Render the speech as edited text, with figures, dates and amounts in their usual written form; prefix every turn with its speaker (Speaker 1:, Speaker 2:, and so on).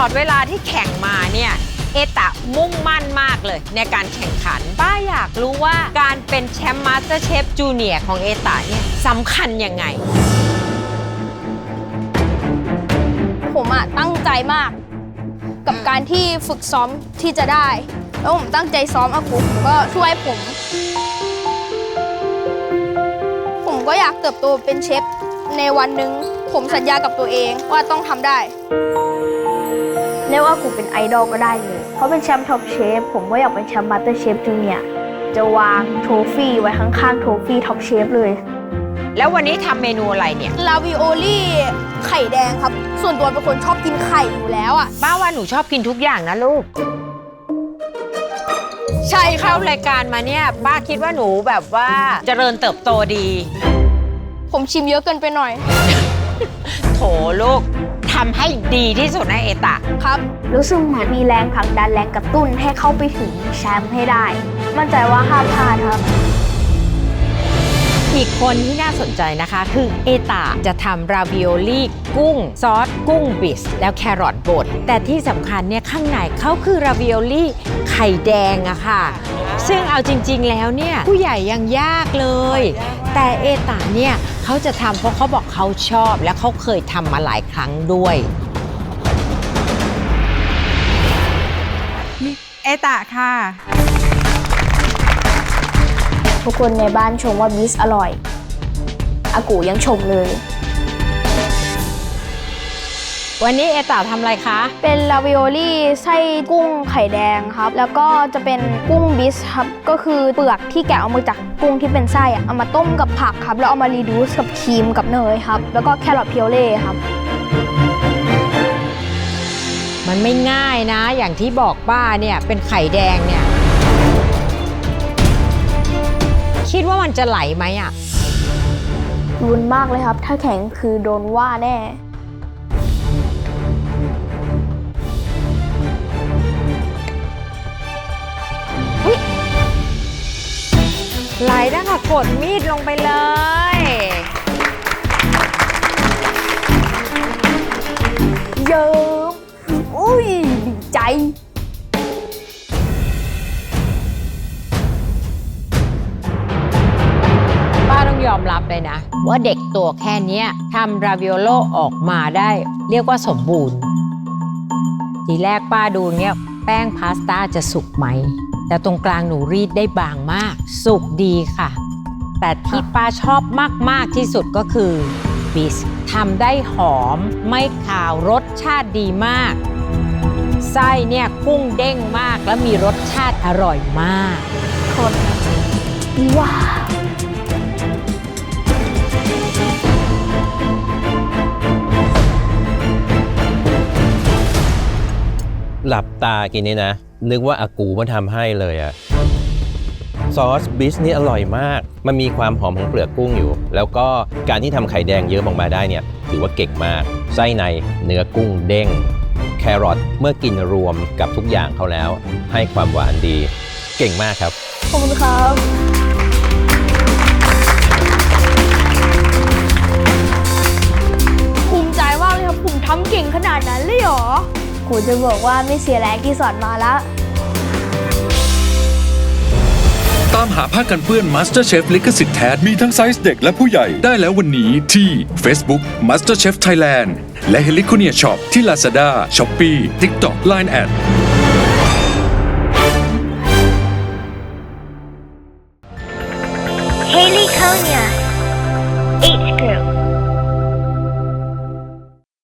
Speaker 1: อดเวลาที่แข่งมาเนี่ยเอตะมุ่งมั่นมากเลยในการแข่งขันป้าอยากรู้ว่าการเป็นแชมป์มาสเตอร์เชฟจูเนียร์ของเอตะเนี่ยสำคัญยังไง
Speaker 2: ผมตั้งใจมากกับการที่ฝึกซ้อมที่จะได้แล้วผมตั้งใจซ้อมอากูก็ช่วยผมก็อยากเติบโตเป็นเชฟในวันหนึ่งผมสัญญากับตัวเองว่าต้องทำได้
Speaker 3: เรียกว่ากูเป็นไอดอลก็ได้เลยเพราะเป็นแชมป์ท็อปเชฟผมก็อยากเป็นแชมป์มาสเตอร์เชฟจูเนียร์จะวางโทฟี่ไว้ข้างๆโทฟี่ท็อปเชฟเลย
Speaker 1: แล้ววันนี้ทำเมนูอะไรเนี่ย
Speaker 2: ลาวิโอลี่ไข่แดงครับส่วนตัวเป็นคนชอบกินไข่อยู่แล้ว
Speaker 1: ป้าว่าหนูชอบกินทุกอย่างนะลูก
Speaker 2: ใช่
Speaker 1: เข้ารายการมาเนี่ยป้าคิดว่าหนูแบบว่าเจริญเติบโตดี
Speaker 2: ผมชิมเยอะเกินไปหน่อย
Speaker 1: โถลูกทำให้ดีที่สุดนะเอตะ
Speaker 2: ครับ
Speaker 3: รู้สึกเหมือนมีแรงผลักดันแรงกระตุ้นให้เข้าไปถึงแชมป์ให้ได้มั่นใจว่าห้ามพลาดครับ
Speaker 1: อีกคนที่น่าสนใจนะคะคือเอตะจะทำราวิโอลี่กุ้งซอสกุ้งบิสแล้วแครอทบดแต่ที่สำคัญเนี่ยข้างในเขาคือราวิโอลี่ไข่แดงอะค่ะซึ่งเอาจริงๆแล้วเนี่ยผู้ใหญ่ยังยากเลยแต่เอตะเนี่ยเขาจะทำเพราะเขาบอกเขาชอบและเขาเคยทำมาหลายครั้งด้วย
Speaker 4: เอตะค่ะ
Speaker 3: ทุกคนในบ้านชมว่าบิสอร่อยอากูยังชมเลย
Speaker 1: วันนี้เอตะทำอะไรคะ
Speaker 2: เป็นลาวิโอลี่ไส้กุ้งไข่แดงครับแล้วก็จะเป็นกุ้งบิสครับก็คือเปลือกที่แกะเอามาจากกุ้งที่เป็นไส้เอามาต้มกับผักครับแล้วเอามารีดูสกับครีมกับเนยครับแล้วก็แครอทเพียวเล่ครับ
Speaker 1: มันไม่ง่ายนะอย่างที่บอกป้าเนี่ยเป็นไข่แดงเนี่ยคิดว่ามันจะไหลไหม
Speaker 3: รุนมากเลยครับถ้าแข็งคือโดนว่าแน่
Speaker 1: ไหลนะคะกดมีดลงไปเลย
Speaker 3: เยิ้มอุ้ยดีใจ
Speaker 1: ต้องยอมรับเลยนะว่าเด็กตัวแค่นี้ทำราวิโอโลออกมาได้เรียกว่าสมบูรณ์ทีแรกป้าดูเนี่ยแป้งพาสต้าจะสุกไหมแต่ตรงกลางหนูรีดได้บางมากสุกดีค่ะแต่ที่ป้าชอบมากๆที่สุดก็คือบิสทำได้หอมไม่ขาวรสชาติดีมากไส้เนี่ยกุ้งเด้งมากและมีรสชาติอร่อยมาก
Speaker 3: คนว้า
Speaker 5: หลับตากินนี่นะนึกว่าอากูมาทำให้เลยอะซอสบิสนี่อร่อยมากมันมีความหอมของเปลือกกุ้งอยู่แล้วก็การที่ทำไข่แดงเยอะออกมาได้เนี่ยถือว่าเก่งมากไส้ในเนื้อกุ้งเด้งแครอทเมื่อกินรวมกับทุกอย่างเขาแล้วให้ความหวานดีเก่งมากครับ
Speaker 3: ขอบคุณครับ
Speaker 2: ภูมิใจมากเลยครับผมทำเก่งขนาดนั้นเลยเหรอ
Speaker 3: กูจะบอกว่าไม่เสียแรงที่สอนมาแล้ว
Speaker 6: ตามหาผ้ากันเปื้อน MasterChef ลิขสิทธิ์แท้มีทั้งไซส์เด็กและผู้ใหญ่ได้แล้ววันนี้ที่ Facebook MasterChef Thailand และ Heliconia Shop ที่ Lazada, Shopee, TikTok, Line@
Speaker 3: Heliconia